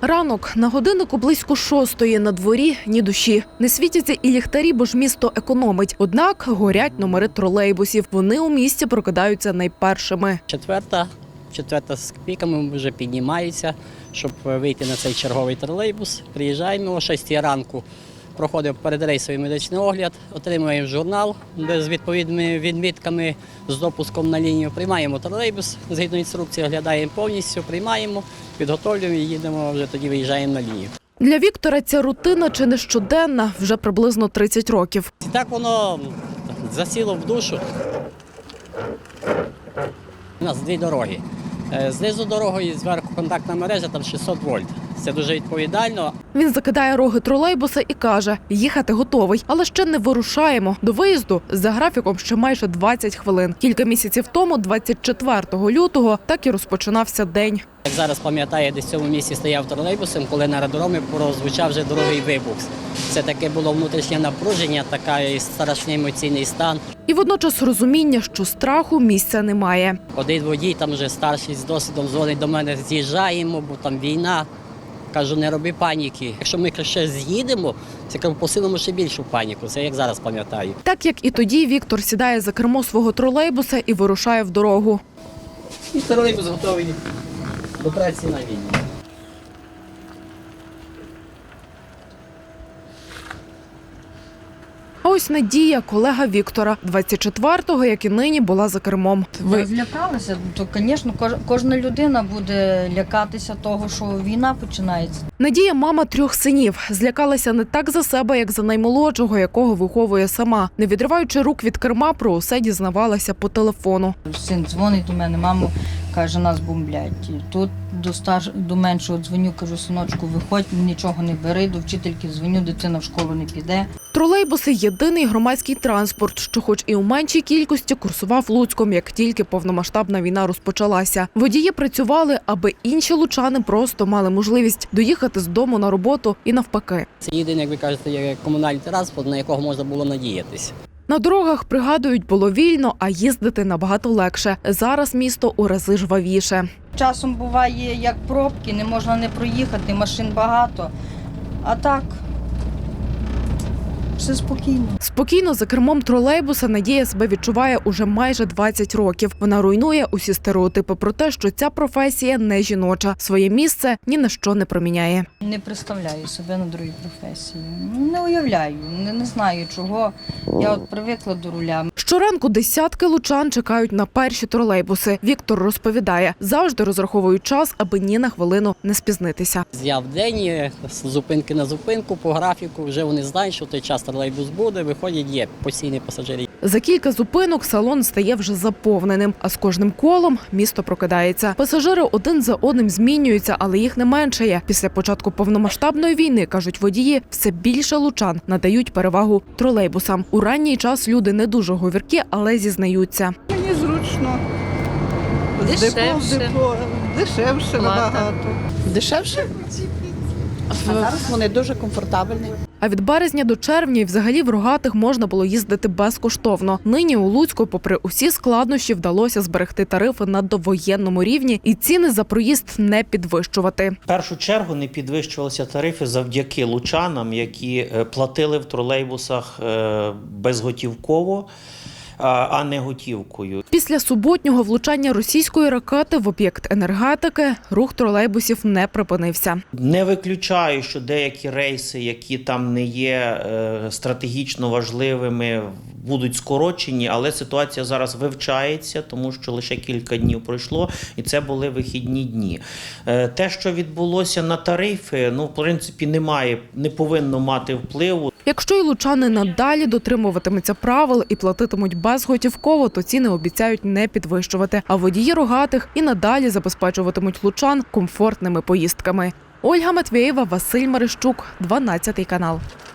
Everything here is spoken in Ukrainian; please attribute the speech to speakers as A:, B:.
A: Ранок. На годиннику близько 6:00. На дворі ні душі. Не світяться і ліхтарі, бо ж місто економить. Однак горять номери тролейбусів. Вони у місті прокидаються найпершими.
B: Четверта з копійками вже піднімається, щоб вийти на цей черговий тролейбус. Приїжджаємо о 6:00 ранку, проходимо передрейсовий медичний огляд, отримуємо журнал, де з відповідними відмітками, з допуском на лінію. Приймаємо тролейбус, згідно інструкції, оглядаємо повністю, приймаємо, підготовлюємо і їдемо, вже тоді виїжджаємо на лінію.
A: Для Віктора ця рутина чи не щоденна вже приблизно 30 років.
B: І так воно засіло в душу. У нас дві дороги. Знизу дорогою, зверху контактна мережа, там 600 вольт. Це дуже відповідально.
A: Він закидає роги тролейбуса і каже, їхати готовий, але ще не вирушаємо. До виїзду за графіком ще майже 20 хвилин. Кілька місяців тому, 24 лютого, так і розпочинався день.
B: Як зараз пам'ятаю, десь в цьому місці стояв тролейбусом, коли на аеродромі прозвучав вже дорогий вибух. Це таке було внутрішнє напруження, такий страшний емоційний стан.
A: І водночас розуміння, що страху місця немає.
B: Один водій, там вже старший з досвідом, дзвонить до мене, з'їжджаємо, бо там війна. Кажу, не роби паніки. Якщо ми ще з'їдемо, це посилимо ще більшу паніку. Це як зараз пам'ятаю.
A: Так як і тоді, Віктор сідає за кермо свого тролейбуса і вирушає в дорогу.
B: І тролейбус готовий до праці на війні.
A: А ось Надія, колега Віктора, 24-го, як і нині, була за кермом.
C: Ви злякалися? То, звісно, кожна людина буде лякатися того, що війна починається.
A: Надія – мама 3 синів. Злякалася не так за себе, як за наймолодшого, якого виховує сама. Не відриваючи рук від керма, про усе дізнавалася по телефону.
C: Син дзвонить до мене, мамо, каже, нас бомблять. Тут до меншого дзвоню, кажу, синочку, виходь, нічого не бери, до вчительки дзвоню, дитина в школу не піде.
A: Тролейбуси – єдиний громадський транспорт, що хоч і у меншій кількості курсував Луцьком, як тільки повномасштабна війна розпочалася. Водії працювали, аби інші лучани просто мали можливість доїхати з дому на роботу і навпаки.
B: Це єдиний, як ви кажете, є комунальний транспорт, на якого можна було надіятися.
A: На дорогах, пригадують, було вільно, а їздити набагато легше. Зараз місто у рази жвавіше.
C: Часом буває, як пробки, не можна не проїхати, машин багато. А так, все спокійно.
A: Спокійно за кермом тролейбуса Надія себе відчуває уже майже 20 років. Вона руйнує усі стереотипи про те, що ця професія не жіноча. Своє місце ні на що не проміняє.
C: Не представляю себе на другій професії. Не уявляю, не знаю чого. Я от привикла до руля.
A: Щоранку десятки лучан чекають на перші тролейбуси. Віктор розповідає, завжди розраховують час, аби ні на хвилину не спізнитися.
B: З дня в день, з зупинки на зупинку, по графіку, вже вони знають, що в той час тролейбус буде, виходять, є постійні пасажири.
A: За кілька зупинок салон стає вже заповненим, а з кожним колом місто прокидається. Пасажири один за одним змінюються, але їх не меншає. Після початку повномасштабної війни, кажуть водії, все більше лучан надають перевагу тролейбусам. У ранній час люди не дуже говіркі, але зізнаються.
D: Мені зручно.
E: Дешевше.
D: Дешевше набагато.
E: Дешевше?
D: А зараз вони дуже комфортабельні.
A: А від березня до червня і взагалі в Рогатих можна було їздити безкоштовно. Нині у Луцьку, попри усі складнощі, вдалося зберегти тарифи на довоєнному рівні і ціни за проїзд не підвищувати.
F: В першу чергу не підвищувалися тарифи завдяки лучанам, які платили в тролейбусах безготівково, а не готівкою.
A: Після суботнього влучання російської ракети в об'єкт енергетики рух тролейбусів не припинився.
F: Не виключаю, що деякі рейси, які там не є стратегічно важливими, будуть скорочені, але ситуація зараз вивчається, тому що лише кілька днів пройшло, і це були вихідні дні. Те, що відбулося на тарифи, в принципі, не повинно мати впливу.
A: Якщо і лучани надалі дотримуватимуться правил і платитимуть безготівково, то ціни обіцяють не підвищувати. А водії Рогатих і надалі забезпечуватимуть лучан комфортними поїздками. Ольга Матвєєва, Василь Марищук, 12 канал.